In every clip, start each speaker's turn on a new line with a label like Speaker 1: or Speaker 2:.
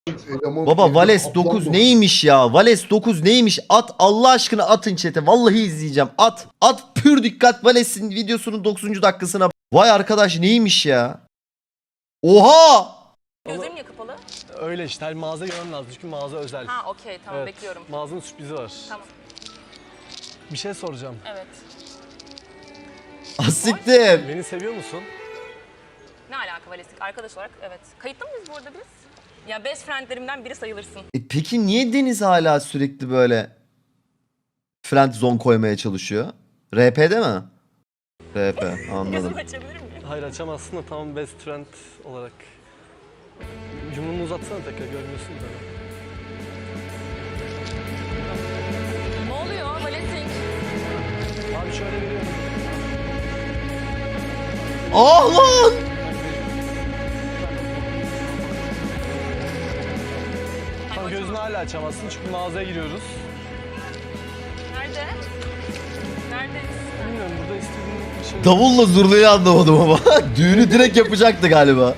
Speaker 1: Baba Vales 9 neymiş ya? Vales 9 neymiş? At Allah aşkına atın chat'e. Vallahi izleyeceğim. At. At pür dikkat Vales'in videosunun 9. dakikasına. Vay arkadaş neymiş ya? Oha!
Speaker 2: Gözlerim niye kapalı?
Speaker 3: Öyle işte her mağaza görmem lazım çünkü mağaza özel.
Speaker 2: Ha okey tamam
Speaker 3: Evet,
Speaker 2: bekliyorum.
Speaker 3: Mağazanın sürprizi var.
Speaker 2: Tamam
Speaker 3: Bir şey soracağım.
Speaker 2: evet.
Speaker 1: Asittim.
Speaker 3: Beni seviyor musun?
Speaker 2: Ne alaka Valestik? Arkadaş olarak evet. Kayıtlı mıyız bu arada biz? Ya best friendlerimden biri sayılırsın.
Speaker 1: Peki niye Deniz hala sürekli böyle friend zone koymaya çalışıyor? RP'de mi? RP anladım.
Speaker 2: Gözümü açabilir miyim?
Speaker 3: Hayır açamazsın da tamam best friend olarak. Yumruğunu uzatsana tekrar görmüyorsun da.
Speaker 2: Ne oluyor Valestik?
Speaker 3: Abi şöyle veriyorum.
Speaker 1: Ah lan!
Speaker 3: Tamam gözünü hala açamazsın çünkü mağazaya giriyoruz.
Speaker 2: Nerede? Neredeyiz?
Speaker 3: Bilmiyorum burada istediğin bir şey...
Speaker 1: Davulla zurnayı anlamadım ama. Düğünü direkt yapacaktı galiba.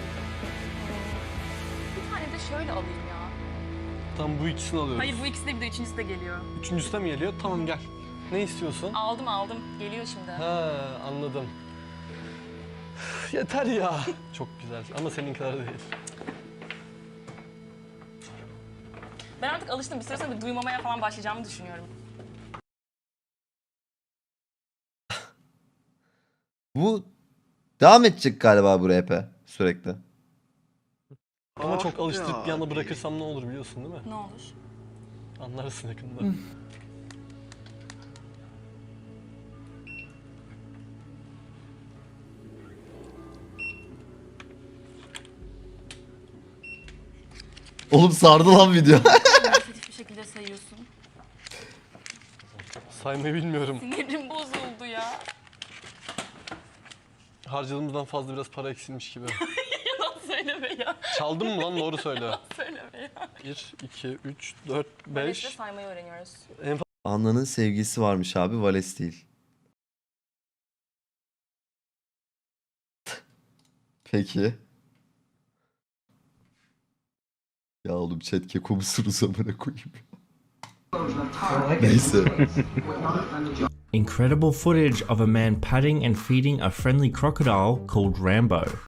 Speaker 2: Bir tane de şöyle alayım ya.
Speaker 3: Tamam bu ikisini alıyoruz.
Speaker 2: Hayır bu ikisi de bir de üçüncüsü de geliyor.
Speaker 3: Üçüncüsü de mi geliyor? Tamam gel. Ne istiyorsun?
Speaker 2: Aldım. Geliyor şimdi.
Speaker 3: Ha anladım. Üf, yeter ya. Çok güzel ama senin kadar değil.
Speaker 2: Ben artık alıştım. Bir süre sonra bir duymamaya falan başlayacağımı düşünüyorum.
Speaker 1: Bu devam edecek galiba bu RP sürekli.
Speaker 3: Ama çok alıştırıp bir anda bırakırsam ne olur biliyorsun değil mi?
Speaker 2: Ne olur?
Speaker 3: Anlarsın yakında.
Speaker 1: Oğlum sardı lan video.
Speaker 2: Negatif bir şekilde sayıyorsun.
Speaker 3: Saymayı bilmiyorum.
Speaker 2: Sinirim bozuldu ya.
Speaker 3: Harcadığımızdan fazla biraz para eksilmiş gibi.
Speaker 2: Yalan söyleme ya.
Speaker 3: Çaldın mı lan doğru söyle.
Speaker 2: Söyleme ya.
Speaker 3: 1, 2, 3, 4,
Speaker 2: Vales'le
Speaker 3: 5.
Speaker 2: saymayı öğreniyoruz.
Speaker 1: Anna'nın sevgisi varmış abi Vales değil. Peki. Ya oğlum chat keko musunuz amına koyayım. Neyse.
Speaker 4: Incredible footage of a man patting and feeding a friendly crocodile called Rambo.